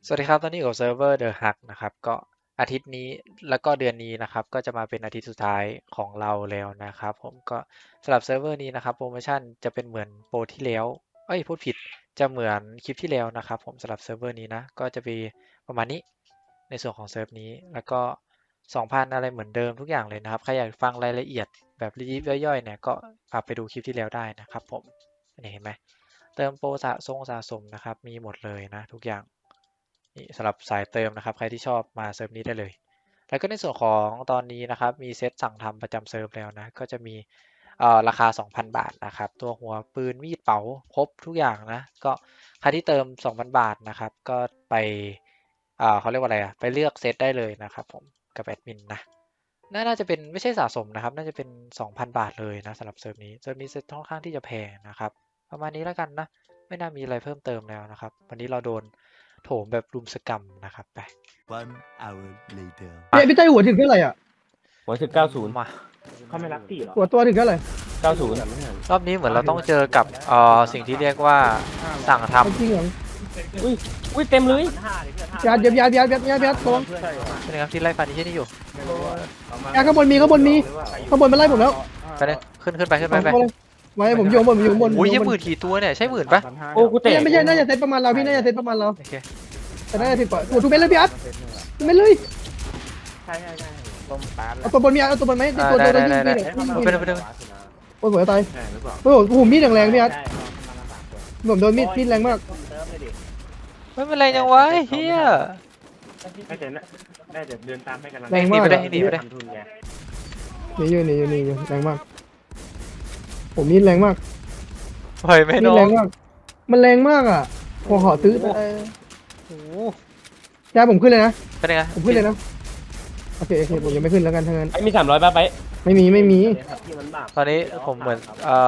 สวัสดีครับตอนนี้อยู่กับเซิร์ฟเวอร์เดอะฮักนะครับก็อาทิตย์นี้แล้วก็เดือนนี้นะครับก็จะมาเป็นอาทิตย์สุดท้ายของเราแล้วนะครับผมก็สำหรับเซิร์ฟเวอร์นี้นะครับโปรโมชั่นจะเป็นเหมือนโปรที่แล้วพูดผิดจะเหมือนคลิปที่แล้วนะครับผมสำหรับเซิร์ฟเวอร์นี้นะก็จะมีประมาณนี้ในส่วนของเซิร์ฟนี้แล้วก็2,000อะไรเหมือนเดิมทุกอย่างเลยนะครับใครอยากฟังรายละเอียดแบบยิบย่อยๆเนี่ยก็กลับไปดูคลิปที่แล้วได้นะครับผมนี่เห็นไหมเติมโปรสะสมนะครับมีหมดเลยนะทุกอย่าง นี่สำหรับสายเติมนะครับใครที่ชอบมาเซิร์ฟนี้ได้เลยแล้วก็ในส่วนของตอนนี้นะครับมีเซตสั่งทำประจำเซิร์ฟแล้วนะก็จะมีราคา 2,000 บาทนะครับตัวหัวปืนมีดเป๋าครบทุกอย่างนะก็ใครที่เติม 2,000 บาทนะครับก็ไปเขาเรียกว่าอะไรไปเลือกเซตได้เลยนะครับผมกับแอดมินนะน่าจะเป็นไม่ใช่สะสมนะครับน่าจะเป็น 2,000 บาทเลยนะสำหรับเซิร์ฟนี้เซตค่อนข้างที่จะแพงนะครับประมาณนี้แล้วกันนะไม่น่ามีอะไรเพิ่มเติมแล้วนะครับวันนี้เราโดนโถมแบบรุมสกรรมนะครับไป One hour later พี่เต้ยหัวถึงเท่าไหร่อ่ะหัวถึง90 มาเขาไม่รักพี่เหรอหัวตัวถึงเท่าไหร่ 90 รอบนี้เหมือนเราต้องเจอกับสิ่งที่เรียกว่าสั่งทจริงเหรออุ้ยเต็มเลยยัดตรงำเป็นไงครับที่ไล่ฟันที่นี่อยู่ยัดข้างบนมีข้างบนมันไล่ผมแล้วไปเลยขึ้นไปไว้ผมอยู่บนอยู่บนโอ้ยยังหมื่นกี่ตัวเนี่ยใช่หมื่นปะโอ้กูเตะไม่ใช่น่าจะเซตประมาณเราพี่น่าจะเซตประมาณเราโอเคแต่น่าจะถึงกว่าโอ้ทุกเม็ดเลยพี่อัดทุกเม็ดเลยใช่ต้มปลาเอาตัวบนมีอัดเอาตัวบนไหมตัวยิงพี่เลย โอ้ยหัวตายใช่หรือเปล่าโอ้โหมีดแรงพี่อัดใช่เรามา3 คนผมโดนมีดแรงมากเติมเลยดิไม่เป็นไรยังวะเฮียไม่เสร็จนะได้เดี๋ยวเดินตามให้กันแรงมากทำทุนไงหนีอยู่แรงมากผมมีดแรงมากปล่อยไม่มีน้ดอแรง งมากมันแรงมากอ่ะผมขอซื้อโอ้โหยาผมขึ้นเลยนะเป็นไงผมขึ้นเลยนะโอเคผมยังไม่ขึ้นแล้วกันทั้งนั้นไอ้มี300ป่ะไปไม่มีที่มันบาปตอนนี้ผมเหมือน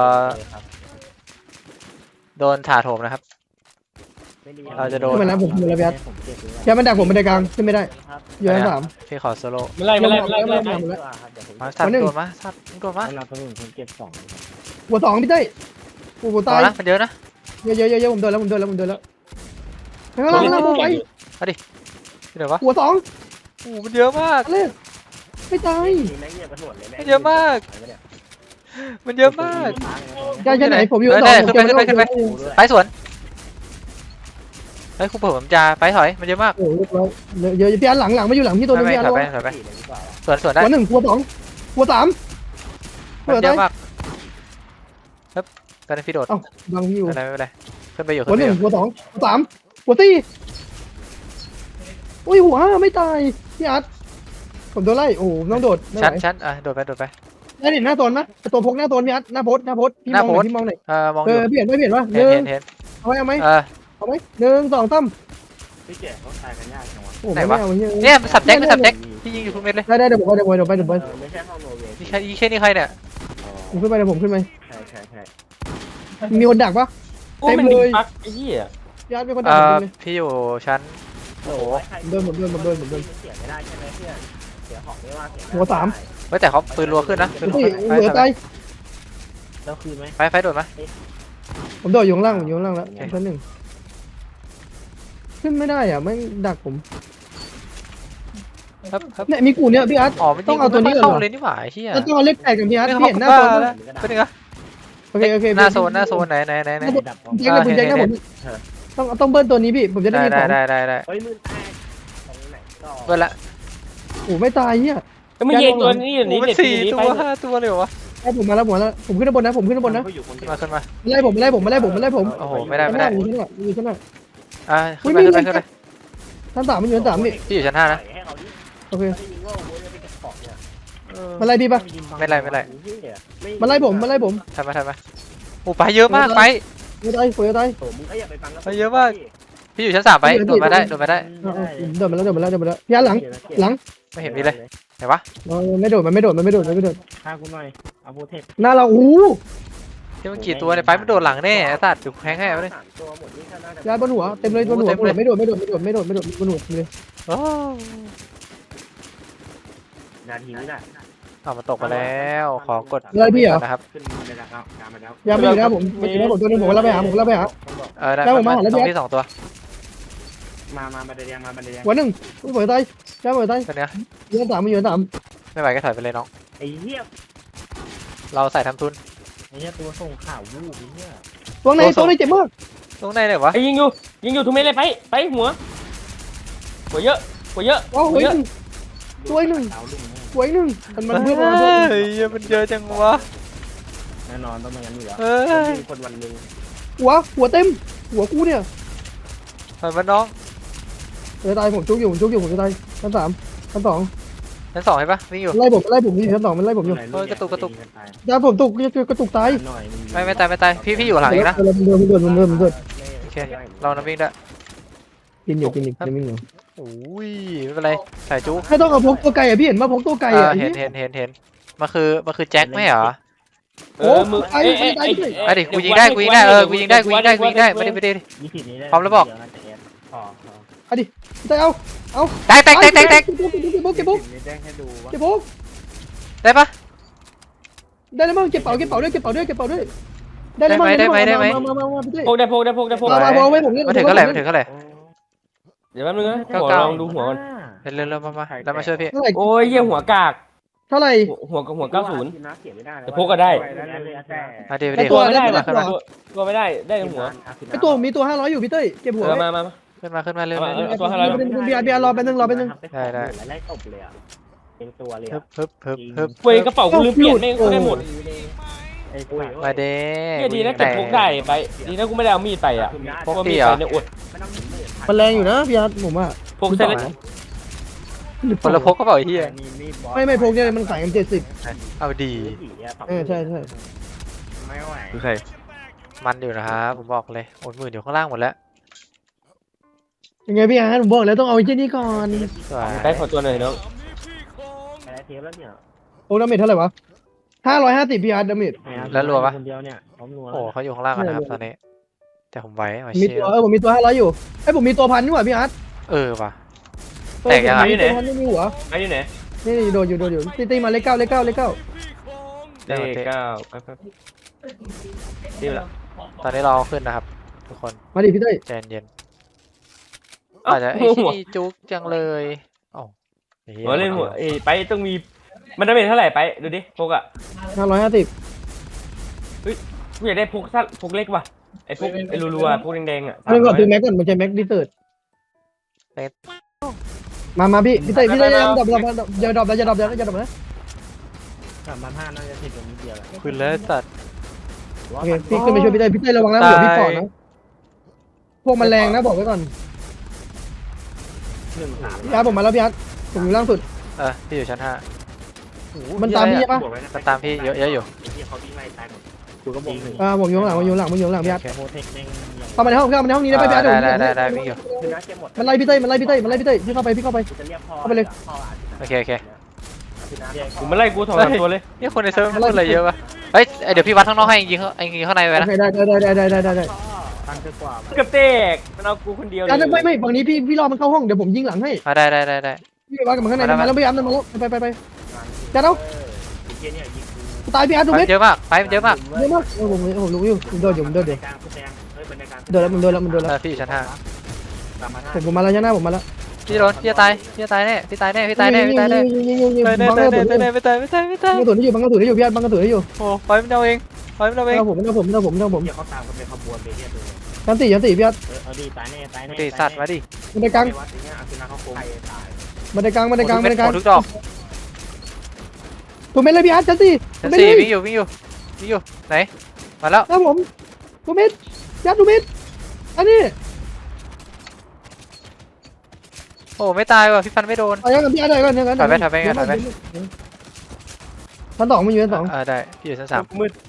โดนถาโถมนะครับ เราจะโดนขึ้นมาแล้วผมขึ้นมาแล้วพี่อัดผมเก็บเลยยามันดักผมบันไดกลางขึ้นไม่ได้อยู่ชั้น 3 พี่ขอโซโล่ไม่ไล่ไม่ไล่มาสัตว์โดนมาสัตว์โดนมาเราต้องผมเก็บ2 หัว 2พี่เต้ยโอ้โหต่ตาอย นะมันเยอะนะเยอะผมโดนแล้วข้างล่างผมไปที่ไหนวะหัว 2 โอ้โหมันเยอะมากเลยไม่ตายมีแม่งเงียบกันหมดเลยมันเยอะมาก มันเยอะมากยาชั้นไหนผมอยู่เออ 2 ได้ผมขึ้นไป ไปสวนเฮ้ยครูเปิดผมจะไปถอยมันเยอะมากโอ้โหเยอะพี่อันหลังมาอยู่หลังพี่ตัวนึงไม่พี่อันถอยหัไปถอยไปสวนได้ว 1หัว 2หัว 3 มันเยอะมากครับตอนนี้พี่โดดเอ้าบังพี่อยู่ไม่เป็นไรขึ้นไปอยู่หัวขึ้นไปอยู่ 1หัว 2หัว 3หัว 4อุ้ยหัว 5ไม่ตายพี่อัดผมโดนไล่โอ้โหต้องโดดไม่ไหวชั้นโดดไปได้เห็นหน้าโซนไหมตัวพกหน้าโซนพี่อัดหน้าโพสพี่มองหน่อยมองอยู่เปลี่ยนว่าเห็นเอาไหมเออ 1 2 3 พี่แก่เขาตายกันยากจังวะโอ้ไม่เอาเฮียเนี่ยมันสับแจ็คพี่ยิงอยู่ทุกเม็ดเลยได้เดี๋ยวผมไปไม่ใช่ห้องโนเวย์นี่แค่นี้ใครเนี่ยผมขึ้นไปเดี๋ยวผมขึ้นไปใช่มีคนดักปะโอ้มันมีปักไอ้เหี้ยญาติมีคนดักผมเลยพี่อยู่ชั้นโอ้โหผมเดินเสียไม่ได้ใช่ไหมเพื่อนเสียของไม่ว่าเสียหัว 3 เฮ้ยแต่เขาปืนรัวขึ้นนะปืนรัวเฮ้ยขึ้นเหลือตายแล้วคืนไหมไปโดดมาผมโดดอยู่ข้างล่างแล้วชั้น 1ขึ้นไม่ได้อ่ะไม่ดักผมครับเนี่ยมีกูเนี่ยพี่อาร์ตอ๋อมันต้องเอาตัวนี้ก่อนเข้าเหรอเลยนี่หว่าเฮียแล้วต้องเอาเลขแตกกับพี่อาร์ตไม่พี่เห็นหน้าโซนแล้วเป็นไงโอเคหน้าโซนไหนดับแจ็คนะผมแจ็คนะผมต้องเบิ้ลตัวนี้พี่ผมจะได้มีของได้เฮ้ยมือแตกตรงไหนก็เปิดละโอ้ไม่ตายเฮียก็ไม่เย็นตัวนี้โอ้นี่มันเด็ด 4 นี้ตัไปว5 ตัวเลยวะให้ผมมาแล้วผมขึ้นข้างบนนะผมขึ้นข้างบนนะก็อยู่คนเดีขึ้ยนวมาไล่ผมโอ้โหไม่ได้อยู่ชั้นไหนขึ้นไปชั้น 3มันอยู่ชั้น 3นี่พี่อยู่ชั้น5นะให้เขาดิโอเคไม่มีโง่โว้ยไปเก็บของเนี่ยมาไล่พี่ปะไม่ไล่มาไล่ผมทำมาโอ้ไปเยอะมากไปไม่ตายผมจะตายโอ้มึงก็อย่าไปฟังไปเยอะมาก พี่อยู่ชั้น3ไปโดดมาได้เดินมาแล้วพี่อาร์ตหลังไม่เห็นมีเลยไหนวะไม่โดดมันไม่โดดฆ่ากูหน่อยเอาโปรเทคหน้าเราอู้ที่มันกี่ตัวเนี่ยไปมันโดดหลังแน่ไอ้สัตว์ถูกแทงให้ไปเลยตัวหมดนี่แค่น่าจะยาบนหัวเต็มเลยบนหัวไม่โดดบนหัวเลยโอ้นาทีนี้แหละเอามาตกมาแล้วขอกดอะไรพี่เหรอนะครับขึ้นไปแล้วครับตามมาแล้วยาไม่อยู่นะผมตัวนึงผมรับไปหาได้แล้วผมมาหาแล้วตรงพี่ที่2 ตัวมาบันไดแดงมาบันไดแดงหัวหนึ่งหัวตายแก้หัวตายตัวเนี้ยยืนสามมันยืนสามไม่ไหวก็ถอยไปเลยน้องไอ้เหี้ยเราใส่ทำทุนไอ้เหี้ยตัวส่งข่าววูบไอ้เหี้ยตัวไหนตัวไหนเจ็บมากตรงไหนเลยวะไอ้ยิงอยู่ทุกเม็ดเลยไปหัวเยอะหัวเยอะว้าวหัวหนึ่ง ตัวหนึ่งดาวลุ่มหัวหนึ่งมันเพื่อนเฮ้ยมันเยอะจังวะแน่นอนต้องเป็นงั้นอยู่แล้วเฮ้ยคนวันหนึ่งหัวเต็มหัวกูเนี่ยถอยมาน้องตายผมจุกอยู่ผมจะตายชั้นสามชั้นสองชั้นสองเห็นปะวิ่งอยู่ไล่ผมอยู่ชั้นสองมันไล่ผมอยู่เฮ้ยกระตุกยาผมตกกระตุกตายหน่อยไม่ตายพี่อยู่หลังอีกนะมันเดินโอเคเราน้ำวิ่งได้กินอยู่จะไม่เหนียวโอ้ยไม่เป็นไรใส่จุ๊กไม่ต้องเอาพกตัวไก่อ่ะพี่เห็นมาพกตัวไก่อ่ะเห็นมันคือแจ็คไม่เหรอมือไอ้ดิกูยิงได้กูยิงได้กูยิงได้ไม่ได้ 20นี้ได้พร้อมแล้วบอกพอได้เอาแตกเก็บบุ๊ก 20นี้แจ้งให้ดูว่าเก็บบุ๊กได้ปะได้แล้วมั้งเก็บเป๋าด้วยได้แล้วมั้งมาพี่เต้พกได้มาไว้ผมเนี่ยมาถึงเท่าไหร่เดี๋ยวแป๊บนึงนะลองดูหัวก่อนเร็วมาแล้วมาช่วยพี่เท่าไหร่โอ้ยเยี่ยหัวกากเท่าไหร่หัว90 แต่พกก็ได้มาเดี๋ยวตัวไม่ได้ตัวไม่ได้ได้หัวไอตัวมีตัว500อยู่พี่เต้เก็บหัวมาขึ้นมาเร็วตัว500 เบียร์รอแป๊บนึงไล่ตบเลยอ่ะเป็นตัวเลยฮึบเว้ยกระเป๋ากูลืมเปลี่ยนไม่ได้หมดไอ้ปุ้ยมาเด้เนี่ยดีนะเก็บพกได้ไปดีนะกูไม่ได้เอามีดไปอ่ะเพราะว่ามีดไปเนี่ยอดไม่ต้องถึงหมื่นมันแรงอยู่นะพี่อาร์ตผมว่าพกเส้นคนละพกก็เปล่าไอ้เหี้ยไม่พกเนี่ยมันขายกัน70 เอาดีใช่ไม่ไหวคือใครมันอยู่นะครับผมบอกเลยโอนหมื่นอยู่ข้างล่างหมดแล้วยังไงพี่อาร์ตผมบอกแล้วต้องเอาไอ้เจ้านี่ก่อนสวยได้ขอตัวหน่อยน้องอะไรเทปแล้วเนี่ยโอ้ดาเมจเท่าไหร่วะ550พี่อาร์ตดาเมจคนเดียวเนี่ยพร้อมนัวโอ้เขาอยู่ข้างล่างกันนะครับตอนนี้แต่ผมไหวมามีเชียตัวผมมีตัว500อยู่ผมมีตัว1,000นี่หว่าพี่อาร์ตว่ะ แตกยังไงมีตัว1,000ไม่มีหัวไอ้อยู่ไหนนี่โดนอยู่ตีมาเลข9 เลข9ไปดีละตอนนี้เราขึ้นนะครับทุกคนมาดิพี่เต้ใจเย็นอาจจะไอ้ที่นี่จุกจังเลยอ๋อหัวเล่นหัวไปต้องมีมันได้เป็นเท่าไหร่ไปดูดิพกอ่ะ 550 กูอยากได้พกสั้นพกเล็กว่ะไอ้พกไอ้รัวๆพกแดงๆอ่ะอันนี้ก่อนซื้อแม็กก่อนมันใช้แม็กดิเตอร์มาพี่เต้อย่าดรอปนะ 3,500น่าจะผิดตรงนี้เดียวแหละขึ้นแล้วสัตว์โอเคพี่ขึ้นไปช่วยพี่เต้ระวังนะเดี๋ยวพี่ปอดนะพวกมันแรงนะบอกไว้ก่อน 13 พี่อาร์ตผมมาแล้วพี่อาร์ตผมอยู่ล่างสุดพี่อยู่ชั้น 5 มันตามพี่ใช่ปะมันตามพี่เยอะอยู่ที่เขาวิ่งไล่ตายหมดกูก็บอกหนึ่งผมอยู่ข้างหลังพี่อาร์ตโมเทคเด้งเข้ามาในห้องนี้ได้ไปพี่อาร์ตได้วิ่งอยู่คือนะเก็บหมดมันไล่พี่เต้พี่เข้าไปกูจะเรียกพ่อโอเคกูมาไล่กูถอดตัวเลยนี่คนในเซิร์ฟมันพูดอะไรเยอะปะเฮ้ยเดี๋ยวพี่วัดข้างนอกให้ยิงข้างในไปนะได้ตั้งเกินกว่ากับเตกมันเอากูคนเดียวเลยไม่ฝั่งนี้พี่รอมันเข้าห้องเดี๋ยวผมยิงหลังให้ได้พี่ว่ากับมันข้างในมาแล้วพี่อาร์ตมาแล้วไปจัดเอาเกี้ยเนี่ยยิงกูตายพี่อาร์ตดูไฟเม็ดเยอะมากไฟมันเยอะมากเยอะมากผมรู้อยู่โดนอยู่กลางผู้แซงเฮ้ยบรรยากาศโดนแล้วพี่อยู่ชั้น 5 ผมมาแล้วผมมาแล้วพี่โดนพี่ตายแน่พี่ตายแน่ไม่ตายบังกระสุนให้อยู่พี่อาร์ตบังกระสุนให้อยู่โอ้ไฟมันเอาเองผมเดี๋ยวเขาตามกันเป็นขบวนไปเรื่อยๆชั้น4พี่อาร์ตเอาดีตายแน่ตีสัตว์มาดิบันไดกลางวัดอย่างเงี้ยอาคือนาเขาโกงตายบันไดกลางทุกดอกตัวเม็ดเลยพี่อาร์ตชั้น4 ชั้น 4วิ่งอยู่ไหนมาแล้วครับผมตัวเม็ดยัดตัวเม็ดอันนี้โอ้ไม่ตายว่ะพี่ฟันไม่โดนเอาอย่างกับพี่อาร์ตได้ก่อนอย่างนั้นถอยไปชั้น2มันอยู่ชั้นได้พี่อยู่ชั้น 3 มืด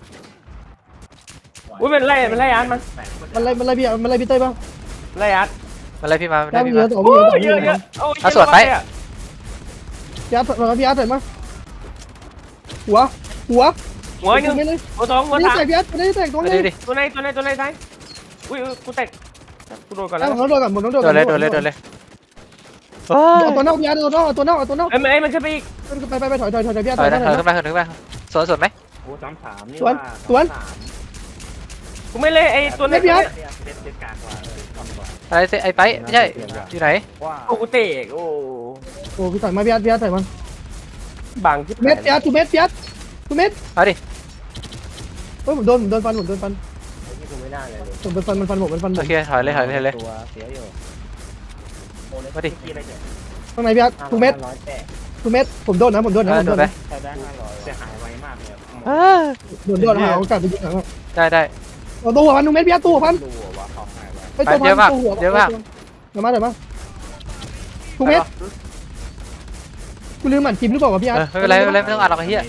อุ้ยมันไล่อาร์ตมัน 2มันไล่พี่เต้ป่ะไล่อาร์ตมาเลยพี่มายัดพี่เยมาอะ2 โอ้ยเยอะยัดใส่มาหัวหัวนึงไม่เลยหัว2หัวนี่แตก 3 พี่อาร์ตไม่ได้แตกตัวมานี้ดิตัวไหนซ้ายอุ้ยกูแตกกูโดนก่อนแล้แล้ว วผมต้องโดนก่อนผมต้องโดนโดนเลยเอาตัวนอกพี่อาร์ตเอาตัวนอกเอ้ยมันขึ้นไปอีกไปถอยพี่อาร์ตถอยถนะอยขึ้นมาสวนไหมโอ้3-3นี่กูไม่เลยไอ้ตัวนี้เด็ดกากกว่าอะไรเซไอ้ไปไม่ใช่อยู่ไหนว่าโอ้กูเตะโอ้โอ้พี่ต่อยมาพี่อาร์ตต่อยมาบางที่เม็ดพี่อาร์ตทูเม็ดพี่อาร์ตทูเม็ดเอาดิเฮ้ยผมโดนฟันที่กูไม่ได้เลยผมโดนฟันมันฟันผมมันฟันผโอมเคถอยเลยถอยเลยตัวเสียอยู่มาดิที่อะไรเนี่ยข้างในพี่อาร์ตทูเม็ดร้อยแปดทูเม็ดผมโดนนะผมโดนนะผมโดโดนนไปนะใช้ได้500เสียหายไวมากเลยโดนหาโอกาสไปยิงหลังได้ได้เอาตัวหัวพันทูเม็ดพี่อาร์ตตัวหัวพันดูว่าของหายไวไปตัวพันเยอะมากตัวหัวเยอะมากเดี๋ยวมาทูเม็ดกูลืมหมั่นคิมหรือเปล่าวะพี่อาร์ตไม่เป็นไรไม่ต้องอ่านหรอกไอ้เหี้ย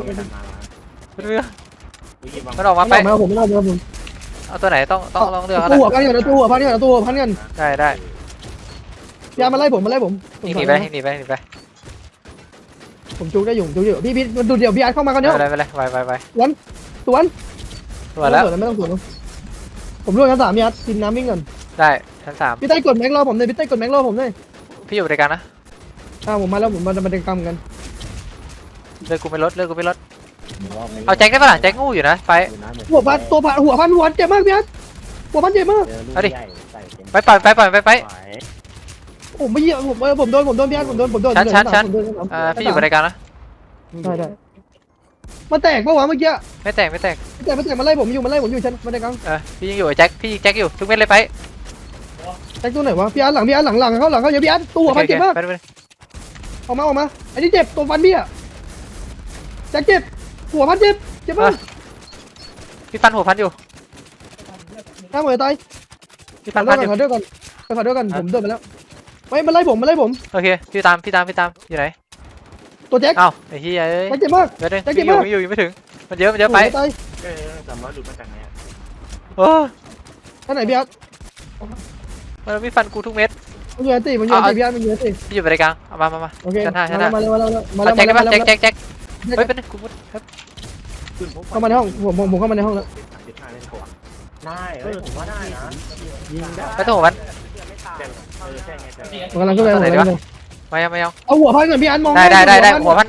มันออกมาไปไม่เอาผมไม่เอาผมเอาตัวไหนต้องเลือกตัวหัวพันกันตัวหัวพันกันตัวหัวพันกันได้ได้พี่อาร์ตมาไล่ผมหนีไปหนีไปผมจุกได้อยู่พี่ดูเดี๋ยวพี่อาร์ตเข้ามากันเนาะไปเลยไปสวนตัวแล้วไม่ต้องสวนผมร่วงชั้น3พี่อาร์ตกินน้ำวิ่งก่อนได้ชั้น3 พี่ใต้กดแม็กรอผมเลยพี่ใต้กดแม็กรอผมเลยพี่อยู่บริการนะผมมาแล้วผมมาเดินกรรมกันเลือกกูไม่ลดเอาแจ็คได้ปะล่ะแจ็คงูอยู่นะไปหัวพันเจ็บมากพี่อาร์ตหัวพันเจ็บมากไปผมไม่เยี่ยผมโดนพี่อาร์ตผมโดนชั้นพี่อยู่บริการนะได้มาแตกปะวะเมื่อกี้ไม่แตกมาไล่ผมอยู่ชั้นมาเดินกรรมพี่ยังอยู่ไอ้แจ็คพี่แจ็คอยู่ทุกเม็ดเลยไปแจ็คตัวไหนวะพี่อาร์ตหลังเขาเยอะพี่อาร์ตตัวพันเจ็บมากไปออกมาอันนี้เจ็บตัวฟันพี่อะแจ็คเจ็บหัวพันเจ็บมากพี่ฟันหัวพันอยู่หน้าเหมือนตายพี่ฟันพันอยู่ขอด้วยกันผมเดินไปแล้วไม่มาไล่ผมโอเคพี่ตามอยู่ไหนตัวแจ็คเอ้าไอ้เหี้ยเอ้ยแจ็คเจ็บมากเดี๋ยวอยู่ไม่ถึงมันเยอะไปตาย 300ดูมาจากไหนโอ้ท่านไหนพี่อาร์ตมันพี่ฟันกูทุกเม็ดมันอยู่ตีพี่อาร์ตมันอยู่ตีพี่อยู่บริการเอามาโอเคชั้นห้ามาแล้วเอาแจ็คได้ปะแจ็คเฮ้ยเป็นกูเข้ามาในห้องผมเข้ามาในห้องแล้ว 15เล่นกว่าได้ผมว่าได้นะยิงได้ไปตัวหัวพันใช่ไงแต่ผมกำลังขึ้นไปไม่เอาเอาหัวพันก่อนพี่อาร์ตมองได้หัวพัน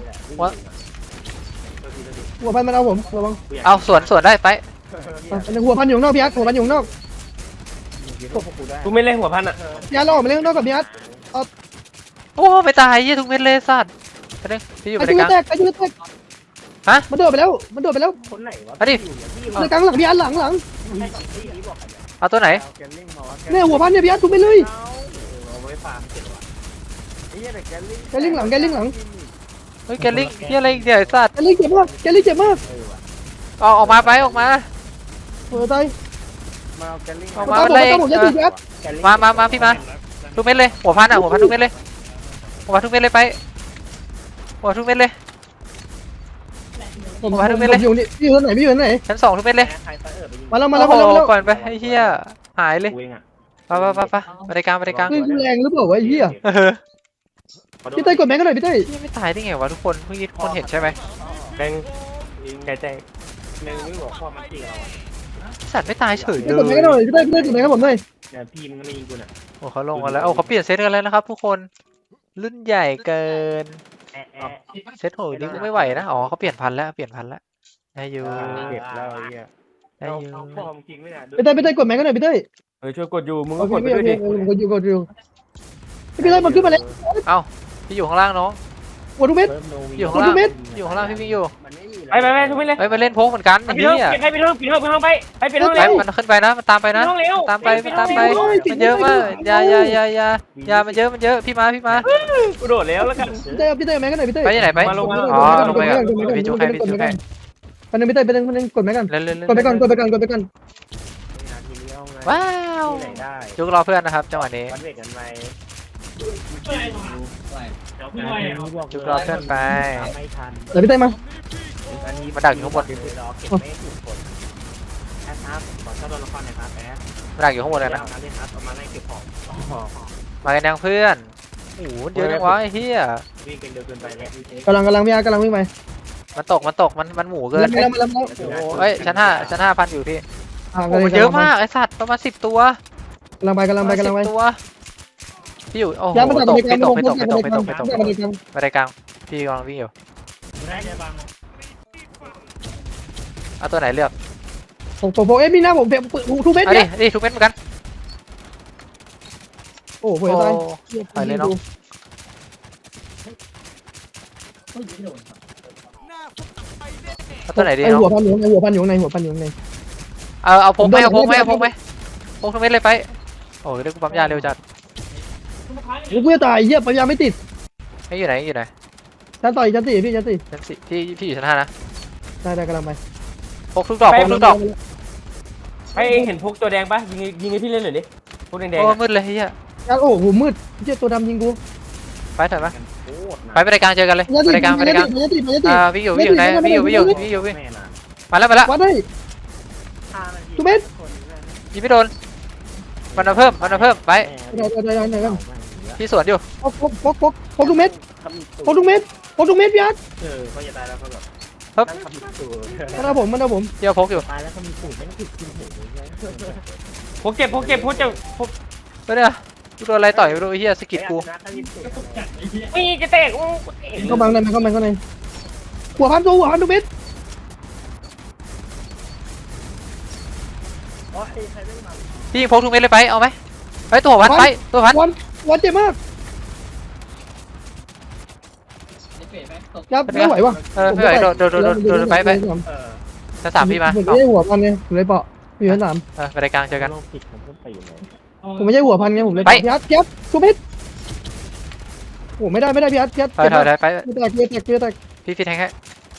หัวพันมันเอาผมระวังเอาสวนได้ไปหัวพันอยู่นอกพี่อาร์ตหัวพันอยู่นอกกูไม่เล่นหัวพันอ่ะพี่อาร์ตรอมาเล่นนอกกับพี่อาร์ตโอ้ไม่ตายยี่ทุกเม็ดเลยสัตว์ไปนึงพี่อยู่บไอ้ริชื่การอแตกฮะมันโดดไปแล้วคนไหนวะมาดิในกลางหลังพี่อาร์ตหลังเอาตัวไหนเนี่ยหัวพันเนี่ยพี่อาร์ตทุบไปเลยเอาไว้ฟาร์มเสร็จวะไอ้เหี้ยแต่แกลิงแกลิงหลังเฮ้ยแกลิงพี่อะไรเดี๋ยวสัตว์แกลิงเจ็บมากออกมาไปออกมาตายมาเอาแกลิงออกมาอะไรผมจะตีพี่อาร์ตมาพี่มาทุกเม็ดเลยหัวพันทุกเม็ดเลยหัวทุกเม็ดเลยไปหัวทุกเม็ดเลยผมอยู่นี่พี่อยู่ไหนชั้น2ทุกเม็ดเลยใครไปไปยิงมาแล้วก่อนไปไอ้เหี้ยหายเลยกูเองอ่ะไปบริการคือแรงหรือเปล่าวะไอ้เหี้ยพี่เต้กดแม็กกันหน่อยพี่เต้ไม่ตายได้ไงวะทุกคนเมื่อกี้ทุกคนเห็นใช่ไหมแดงใจหนึ่งไม่บอกพ่อมันตีเราอ่ะสัตว์ไม่ตายเฉยเลกดแม็กกันหน่อยยพี่เต้กดแม็กให้ผมหน่อยเนี่ยพี่มันก็ไม่ยิงกูน่ะโอ้เขาลงมาแล้วโอ้เขาเปลี่ยนเซตกันแล้วนะครับทุกคนรุ่นใหญ่เกิน เซตโหนี่กูไม่ไหวนะอ๋อเขาเปลี่ยนพันแล้วได้อยู่เก็บแล้วไอ้เหี้ยได้อยู่เอาพ่อมึงจริงไหมเนี่ยพี่เต้กดแม็กกันหน่อยพี่เต้ช่วยกดอยู่มึงโอก็เคกดไปพี่ด้วยดิกดอยู่พี่เต้มันขึ้นมาแล้วพี่อยู่ข้างล่างน้องหัวทุกเม็ดอยู่ข้างล่างอยู่ข้างล่างพี่วิ่งอยู่มันไม่มีไปทุกไม่เลยเฮ้ยมาเล่นโพกเหมือนกันไปไอ้ปิดเหี้ห้องยปิดห้องไปปิดห้องไปมันขึ้นไปนะมันตามไปนะห้องเร็วตามไปมันเยอะมากอย่ามันเยอะพี่มากูโดดแล้วกันพี่เต้แม็กกันหน่อยพี่เต้ไปที่ไหนไปอ๋อลงไปก่อนพี่จุ๊กให้อันนึงพี่เต้เป็นกดแม็กกันเล่นกดไปก่อนว้าวที่ไหนได้จุ๊กรอเพื่อนนะครับจังหวะนี้วันเวกกันไหมจุ๊กรอเพื่อนไปไม่ทันเดี๋ยวพี่เต้มาอันนี้มาดักอยู่ข้างบนรอเก็บไม่ถูกคนแอดครับขอเช่าตัวละครหน่อยครับแอดมาดักอยู่ข้างบนเลยนะเอาเล่นครับเอามาไล่เก็บของมากันยังเพื่อนโอ้โหเยอะจังวะไอ้เหี้ยวิ่งกันเร็วเกินไปแล้วกำลังพี่อาร์กำลังวิ่งไปมันตกมันหมูเกินแล้วเฮ้ยชั้น5พันอยู่พี่กำโอ้มันเยอะมากไอ้สัตว์ประมาณ10 ตัวำลังไป 10 ตัวพี่อยู่โอ้โหย้ายมาจากตกอเมริกาไม่ตกไปได้กลางพี่กำลังวิ่งอยู่ได้เลยบางเอาตัวไหนเลือกผมมีหน้าผมทุกเม็ดเอาเนี่ยดิทุกเม็ดเหมือนกันผมจะตายไปเลยเนาะเอาตัวไหนดีไอเนาะหัวพันอยู่ในหัวพันอยู่ในหัวพันอยู่ในเอาพกไหมเอาพกไหมเอาพกไหมพกทั้งเม็ดเลยไปโอ้ยเรื่องปั๊มยาเร็วจัดกูจะตายเหี้ยปัญญาไม่ติดให้อยู่ไหนอยู่ไหนชั้นต่อยชั้นสี่พี่ชั้นสี่ชั้นสี่พี่อยู่ชั้น5นะได้กำลังไปพกทุกดอกพกทุกดอกไปเองเห็นพกตัวแดงปะยิงให้พี่เล่นหน่อยดิพกแดงๆโอ้อะมืดเลยเฮียยัดโอ้โหมืดเหี้ยตัวดำยิงกูไปถอยมาโคตรนะไปไปรายการเจอกันเลยยัดไปติดรายการไปยัรายการดติดยัดติดพี่อยู่ไหนพี่อยู่พี่แม่นะมาแล้ววัดได้ ทุกเม็ดยิงไม่โดนมันมาเพิ่มไปได้พี่สวนอยู่พกทุกเม็ดพกทุกเม็ดพี่ยัดก็จะตายแล้วก็แบบครับนั่งทำสูตรมันเอาผมเดี๋ยวพกอยู่ตายแล้วก็มีสูตรไม่ต้องผิดกินหูเลยพกเก็บพกไปเนี่ยกูโดนอะไรต่อยไม่รู้ไอ้เฮียสกิดกูนี่จะแตกโอ้เข้าบังได้ไหมเข้าในหัวพันตัวหัวพันทุกเม็ดโอ้ยใครไม่มาพี่ยิงพกทุกเม็ดเลยไปเอาไหมไปตัวพันไปตัวพันวันเจ็บมากยับไม่ไหวว่ะไม่ไหวโดนไป ชั้น 3พี่มาผมไม่ใช่หัวพันไงผมเลยเปาะอยู่ชั้น 3 ไปรายการเจอกันโลกผิดผมก็ไปอยู่ไหนผมไม่ใช่หัวพันไงผมเลยไปพี่ยัดยับทุกเม็ดโอ้ไม่ได้พี่ยัดถอยไปเกลือแตกพี่แทงให้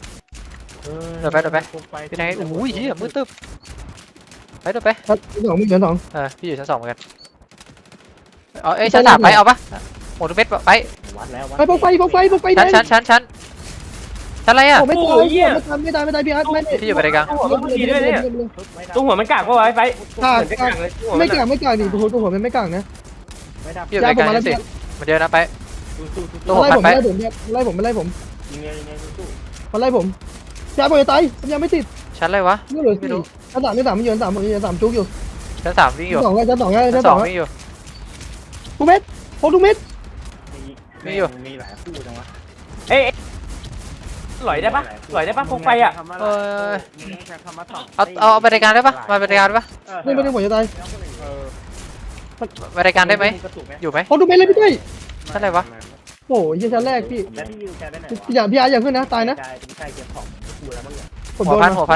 พี่แทงให้โอ้ยเฮียมืดตึ๊บไปเดินไปชั้นสองมีชั้นสองพี่อยู่ชั้น 2เหมือนกันเอาชั้น 3ไปเอาปะหมดทุกเม็ดไปวัดแล้วไปพกไฟแดงชั้นอะไรอ่ะผมไม่ตายไม่ตายพี่ยัดไม่พี่อยู่ไปรายการตัวหัวมันกากปะวะไปไม่กลางดิตัวหัวมันไม่กลางนะไม่ดับพี่อยู่ไปรายการชั้น 4มันเดียวนะไปตัวหัวไล่พันผมไปไล่ผมยิงไงสู้มันไล่ผมยาผมจะตายผมยังไม่ติดชั้นอะไรวะไม่เหลือสี่ชั้นสามมันอยู่ชั้นสามจุกอยู่ชั้น 3วิ่งอยู่ชั้นสองชั้น 2วิ่งอยู่ทุกเม็ดพกทุกเม็ดมีหลายคู่จังวะเอ้ยหลอยได้ปะพกไปอ่ะเอาไปรายการได้ปะมาไปรายการได้ปะไม่ได้ผมจะตายไปรายการได้ไหมอยู่ไหมพกทุกเม็ดเลยพี่เต้ยชั้นอะไรวะโอ้ยชั้นแรกพี่แล้วพี่วิวแกได้ไหนพี่อาอย่าขึ้นนะตายนะใช่เก็บของคู่แล้วมั้งเนี่ยผมหัโดวน พัน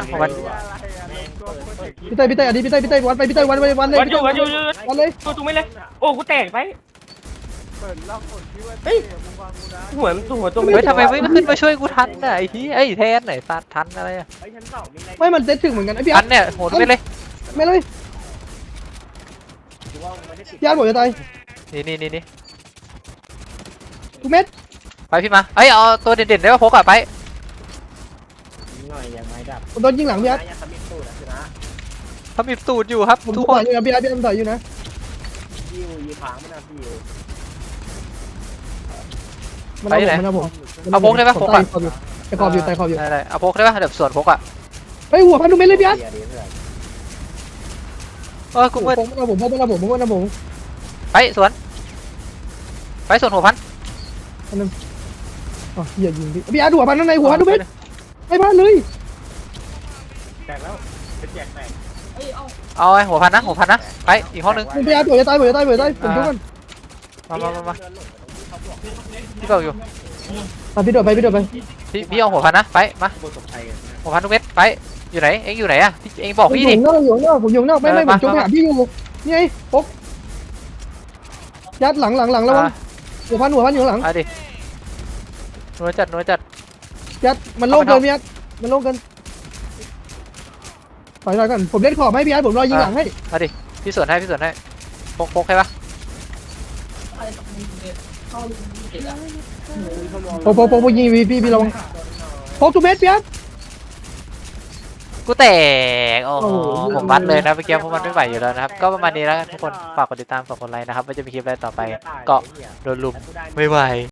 พี่เต้ยอันนี้พี่เต้ยวัดไปพี่เต้ยวันเลยวัดอยู่วันเลยตัวไม่เลยโอ้กูแตกไปเฮ้ยหัวตัวเฮ้ยทำไมไม่ขึ้นมาช่วยกูทันน่ะไอ้ที่ไอ้แทนไหนสัตว์ทันอะไรอ่ะไอ้ชั้นสองมีอะไรไม่มันเซตถึงเหมือนกันไอ้พี่ทันเนี่ยโหดไปเลยไม่เลยดูว่าไม่ได้ติดพี่อาผมจะตายนี่ทุกเม็ดไปพี่มาเอ้ยเอาตัวเด่นๆได้ป่ะพกอะไปหน่อยยังไม่ดับผมโดนยิงหลังพี่อายังทำมิดตู้นะเขามีตูดอยู่ครับผมทุกต่คอยนอยู่นะพี่อาพี่ต่อยอยู่นะยิวยีผางไม่น่าพี่มันเอาผมเอาพกได้ปะพกอะแต่ขอบอยู่ได้เอาพกได้ป่ะเดี๋ยวส่วนพกอะเฮ้ยหัวพันทุกเม็ดเลยพี่อาเดี๋ยวเพื่อนกูมืดผมเอาผมไปสวนหัวพันอ๋ออย่ายิงพี่อาหัวพันข้างในหัวพันทุกเม็ดไม่พลาดเลยแตกแล้วเป็นแจกแตกเอาไอ้หัวพันนะไปอีกห้องนึงพี่อาผมจะตายผมช่วยกันมาพี่บอกอยู่พี่โดดไปพี่เอาหัวพันนะไปมาโคตรตกใจหัวพันทุกเม็ดไปอยู่ไหนเอ็งอยู่ไหนอะเอ็งบอกพี่ดิผมอยู่นอกไม่ผมจงหาพี่อยู่นี่ไงปุ๊บยัดหลังแล้วหัวพันอยู่หลังเอาดินัวจัดยัดมันโล่งเกินพี่ยัดมันโล่งเกินถอยก่อนผมเล่นขอบให้พี่ยัดผมรอยิงหลังให้เอาดิพี่สวนให้พกให้ปะโปยิงพี่ระวังพกทุกเม็ดพี่ยัดกูแตกโอ้โหโอ้โหผมวัดเลยนะเมื่อกี้เพราะมันไม่ไหวอยู่แล้วนะครับก็ประมาณนี้แล้วกันทุกคนฝากกดติดตามฝากกดไลค์นะครับว่าจะมีคลิปอะไรต่อไปก็โดนลุมไม่ไหว